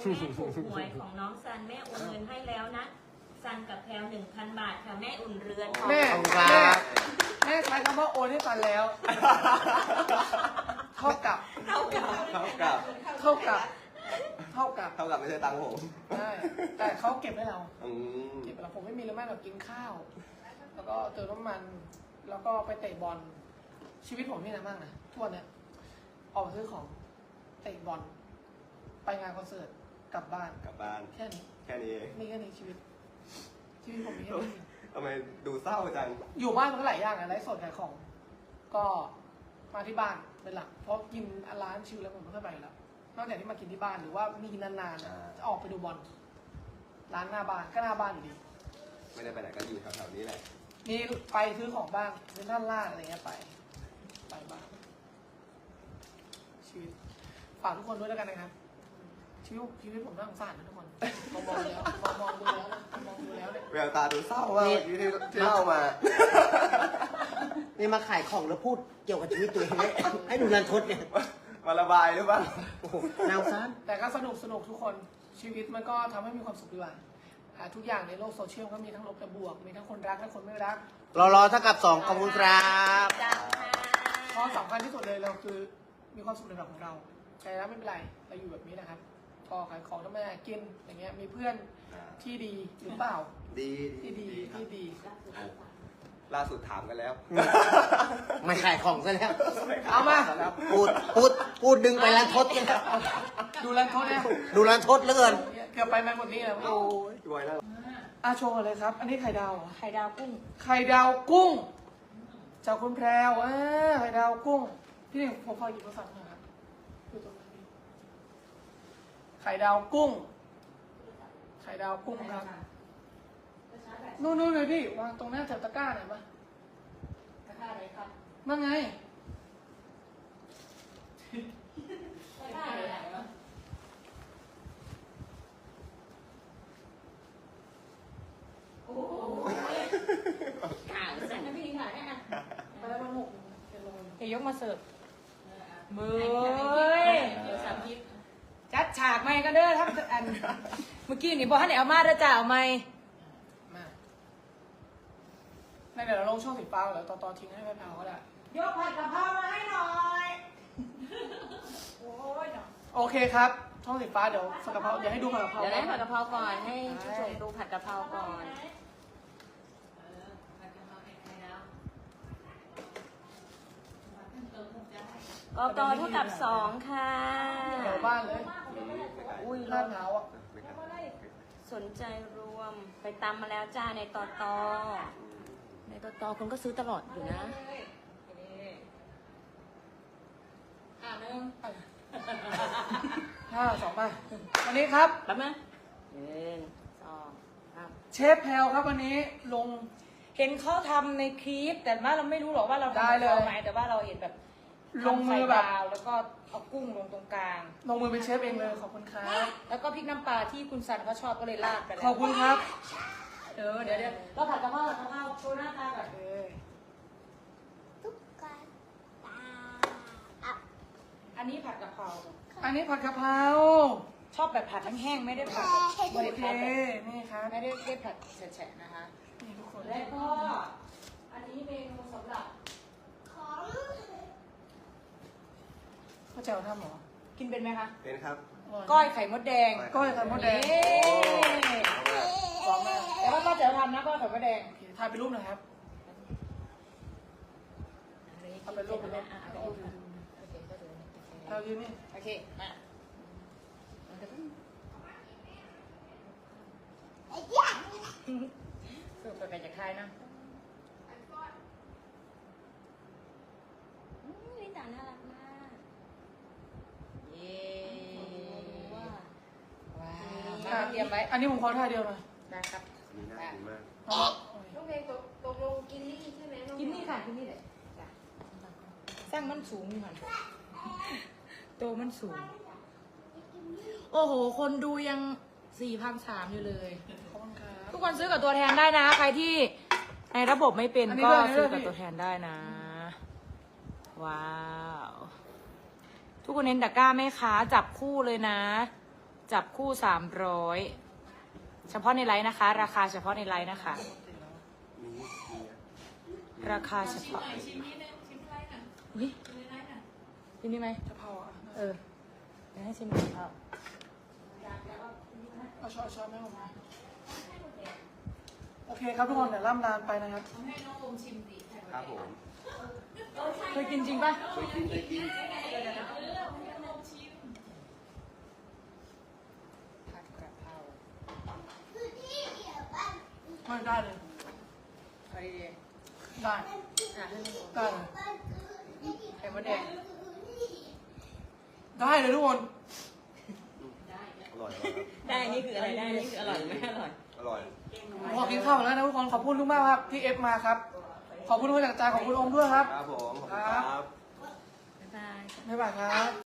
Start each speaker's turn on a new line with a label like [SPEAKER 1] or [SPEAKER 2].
[SPEAKER 1] แม่ถูกหวยของน้องซันแม่โอนเงินให้แล้วนะซันกับแพลว1,000 บาทค่ะแม่อุ่นเรือน
[SPEAKER 2] แม่ใช้คำว่าโอนให้กันแล้วเท่ากับ
[SPEAKER 3] ไม่ใช่ตังค์ผม
[SPEAKER 2] ใช่แต่เขาเก็บให้เรา
[SPEAKER 3] อืม
[SPEAKER 2] เก็บให้เราผมไม่มีเลยแม่แบบกินข้าว แล้วก็เติมน้ำมัน แล้วก็ไปเตะบอลชีวิตผมนี่นะมากนะทุกวันเนี้ยออกไปซื้อของเตะบอลไปงานคอนเสิร์ตกลับบ้าน แค่นี้
[SPEAKER 3] แค่นี้เอง
[SPEAKER 2] นี่แค่นี้ชีวิตผมมีแค่นี้
[SPEAKER 3] ทำไมดูเศร้าจัง
[SPEAKER 2] อยู่บ้านมันก็หลายอย่างอะไลฟ์สดขายของ ก็มาที่บ้านเป็นหลัก เพราะกินร้านชิลแล้วผมไม่ค่อยไปแล้ว นอกจากที่มากินที่บ้านหรือว่ามีกินนานๆอะจะออกไปดูบอล ร้านหน้าบ้านก็หน้าบ้านอยู่ดี
[SPEAKER 3] ไม่ได้ไปไหนก็อยู่แถวๆนี้แหละ
[SPEAKER 2] มีไปซื้อของบ้างซื้อท่านลาดอะไรเงี้ยไปบ้างชีวิตฝากทุกคนด้วยแล้วกันนะครับ ชีวิตผมน่าสงสารนะทุกคนมองดูแล้วเนี่ย
[SPEAKER 3] แววตาดูเศร้ามากที่เล่ามา
[SPEAKER 4] นี่มาขายของแล้วพูดเกี่ยวกับชีวิตตัวเองให้ดูรันทดเนี่ย
[SPEAKER 3] มาระบายหรือเปล่า
[SPEAKER 4] นาวซ้
[SPEAKER 2] แต่ก็สนุกทุกคนชีวิตมันก็ทำให้มีความสุขดีกว่าทุกอย่างในโลกโซเชียลก็มีทั้งลบและบวก มีทั้งคนรักและคนไม่รัก
[SPEAKER 4] รอเท่ากับ2ขอบคุณครับ
[SPEAKER 1] จ้าค่ะ
[SPEAKER 2] ข้อสำคัญที่สุดเลยเราคือมีความสุขในแบบของเราใครรักไม่เป็นไรเราอยู่แบบนี้นะครับก็ขายของทำไมกินอย่างเงี้ยมีเพื่อนที่ดีหรือเปล่า
[SPEAKER 3] ดี
[SPEAKER 2] ที่ดี
[SPEAKER 3] ล่าสุดถามกันแล้ว
[SPEAKER 4] ไม่ขายของซะแล้ว
[SPEAKER 2] เอามา
[SPEAKER 4] พูดดึงไปรันทดกันแล้ว
[SPEAKER 2] ดูแลเขาเนี่ย
[SPEAKER 4] ดูรันทดเหลือเกิน
[SPEAKER 2] เกือบไปแมงหมดนี้แล้วโอ้ย
[SPEAKER 3] พี่บอยแล้ว
[SPEAKER 2] โชว์เลยครับ อันนี้ไข่ดาวเหรอ
[SPEAKER 1] ไข่ดาวกุ้ง
[SPEAKER 2] ไข่ดาวกุ้งจากคุณแพรวไข่ดาวกุ้งพี่หนึ่งผมขอหยิบโทรศัพท์หน่อยครับอยู่ตรงนี้ไข่ดาวกุ้งครับนู่นเลยพี่วางตรงหน้าแถวตะกร้าหน่อยปะ
[SPEAKER 1] ราคาไหนครับ
[SPEAKER 2] นั่นไง
[SPEAKER 1] ราคาไหนวะโอ้โหข่าวสันนะพี่ค่ะเนี่ย
[SPEAKER 2] ไปแล้วมันหกเป็นโล
[SPEAKER 5] จะยกมาเสิร์ฟเบ้ย
[SPEAKER 1] เดี๋ยวสามทิพย์
[SPEAKER 5] จัดฉากใหม่กันเด้อทับอัน เมื่อกี้นี่บอกให้เอามาเด้อจ้าเอาใหม่
[SPEAKER 2] มาในเดี๋ยวเราลงช่องสีฟ้าแล้วต่อทิ้งให้แม่แพรวก็ได้
[SPEAKER 5] ยกผัดกะเพรามาให้หน่อย โอ้ยเนาะ
[SPEAKER 2] โอเคครับ ช่องสีฟ้าเดี๋ยวผัดกะเพราเดี๋ยวให้ดูผัดกะเพรา
[SPEAKER 1] เดี๋ยวได้ผัดกะเพราก่อนให้ผู้ชมดูผัดกะเพราก่อนกกเท่ากับ2ค่ะ
[SPEAKER 2] เดี๋ยวบ้านเลย
[SPEAKER 1] อุ้ย
[SPEAKER 2] ลาดเท้าวอ่ะ
[SPEAKER 1] สนใจรวมไปตำมาแล้วจ้าในตอในตอคนก็ซื้อตลอดอยู่นะ
[SPEAKER 2] 2 มาวันนี้ครับ
[SPEAKER 1] แป๊บนึง1 2 3
[SPEAKER 2] เชฟแพลวครับวันนี้ลง
[SPEAKER 5] เห็นเขาทำในคลิป แต่ว่าเราไม่รู้หรอกว่าเราทำ
[SPEAKER 2] ได้เลย
[SPEAKER 5] กะพราไหมแต่ว่าเราเห็นแบบ
[SPEAKER 2] ลงมือแบบ
[SPEAKER 5] ทำไข่ดาวแล้วก็เอากุ้งลงตรงกลาง
[SPEAKER 2] ลงมือเป็นเชฟเองเลยขอบคุณครับ
[SPEAKER 5] แล้วก็พริกน้ำปลาที่คุณสันเขาชอบก็เลยราดไปแล้ว
[SPEAKER 2] ขอบคุณครับ
[SPEAKER 5] เดี๋ยวเราผัดกะเพราโชว์หน้าตาก่อน อันนี้ผัดกะเพรา
[SPEAKER 2] อันนี้ผัดกะเพรา
[SPEAKER 5] ชอบแบบผัดแห้งๆไม่ได้ผัด
[SPEAKER 2] โอเคนี่ครับ
[SPEAKER 5] ไม่ได้ผัดแฉะๆนะคะ
[SPEAKER 2] นี่ทุกคน
[SPEAKER 5] และก็อันนี้เมนูสำหรับ
[SPEAKER 2] ข้าวเจ้าทำเหรอ
[SPEAKER 5] กินเป็นไหมคะ
[SPEAKER 3] เป็นครับ
[SPEAKER 5] ก้อยไข่มดแดง
[SPEAKER 2] ก้อยไข่มดแดง
[SPEAKER 5] เย้
[SPEAKER 2] พร้อมมาก
[SPEAKER 5] แต่ว่าก็จะทำนะก้อยไข่มดแดง
[SPEAKER 2] โอเคถ่ายเป็นรูปหน่อยครับเอาเป็นรูปเรายืนนี่
[SPEAKER 5] โอเค มาสูตรไปจากใครนะ
[SPEAKER 1] ลิตาน่ารักมาก
[SPEAKER 5] เย้
[SPEAKER 1] ว้า
[SPEAKER 5] ว้าวมาเตรียมไว้
[SPEAKER 2] อันนี้ผมขอท่าเดียวหน่อย
[SPEAKER 5] ได้ครับ
[SPEAKER 3] มีน่ากินมาก
[SPEAKER 6] น้องเพลงตกลงกินนี่ใช่ไหมน้อง
[SPEAKER 5] กินนี่ค่ะกินนี่เลยจ้ะสร้างมันสูงอยู่หันตัวมันสูง โอ้โห คนดูยัง4,300อยู่เลย
[SPEAKER 2] ขอบคุณครับ
[SPEAKER 5] ทุกคนซื้อกับตัวแทนได้นะ ใครที่ในระบบไม่เป็น
[SPEAKER 2] อันนี้
[SPEAKER 5] ก็
[SPEAKER 2] ด้วย
[SPEAKER 5] ซื้อ
[SPEAKER 2] อันนี้ด้วย
[SPEAKER 5] กับตัวแทนได้นะ ว้าว ทุกคนเน้นตะกร้าไหมคะจับคู่เลยนะจับคู่300เฉพาะในไลน์นะคะ ราคาเฉพาะในไลน์นะคะ ราคาเฉพาะอุ๊ยกินนี่ไหม
[SPEAKER 2] จะเผาอ่ะ
[SPEAKER 5] เออเดี๋ยวให้ชิมกะเพรา
[SPEAKER 2] เอาช้อนให้ผมนะโอเคครับทุกคนเดี๋ยวล่ำลาไปนะครับ
[SPEAKER 3] ครับผม
[SPEAKER 5] เคยกินจริงปะ
[SPEAKER 3] เคยกิน
[SPEAKER 5] ผัดกะเพรา
[SPEAKER 2] ไม่ได้เลย
[SPEAKER 5] อะไรดี
[SPEAKER 2] ได้
[SPEAKER 5] อ่ะให้มัน
[SPEAKER 2] ได้เลย
[SPEAKER 5] ไข่มดแดง
[SPEAKER 2] ได้เลยทุกคน
[SPEAKER 3] อร่อย
[SPEAKER 1] ได้นี่คืออะไรได้นี่คืออร่อยหรือไม่อร่อย
[SPEAKER 3] อร่อย
[SPEAKER 2] ขอกินข้าวแล้วนะทุกคนขอบคุณทุกมากครับที่เอฟมาครับ ขอบคุณทุกคนจากใจขอบคุณโอมด้วยครับ
[SPEAKER 3] ครับผม ขอบคุณครับ
[SPEAKER 1] บ๊ายบาย
[SPEAKER 2] บ๊ายบายครับ